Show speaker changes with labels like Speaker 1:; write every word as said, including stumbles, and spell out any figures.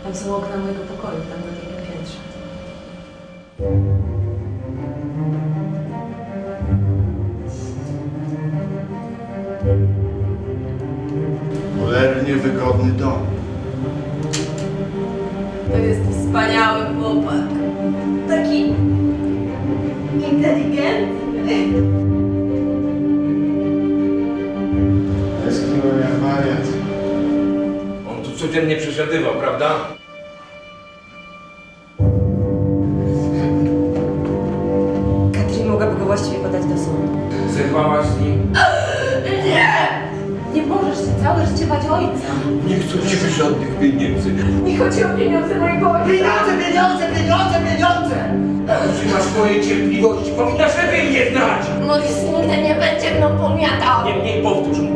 Speaker 1: Tam są okna mojego pokoju, tam na drugim piętrze.
Speaker 2: Cholernie wygodny dom.
Speaker 1: To jest wspaniały chłopak. Taki inteligentny.
Speaker 2: Tęskniłem jak wariat.
Speaker 3: On tu codziennie przesiadywał, prawda?
Speaker 1: Katrin mogłaby go właściwie podać do sądu.
Speaker 3: Zerwałaś z nim?
Speaker 1: Nie! Nie możesz się całe życie bać ojca.
Speaker 3: Nie chcę ci żadnych pieniędzy.
Speaker 1: Nie chodzi o pieniądze mojego ojca.
Speaker 4: Pieniądze, pieniądze, pieniądze, pieniądze!
Speaker 3: Używasz mojej cierpliwości, powinnaś lepiej mnie znać!
Speaker 1: Morris nigdy nie będzie mną pomiatał.
Speaker 3: Niemniej powtórz,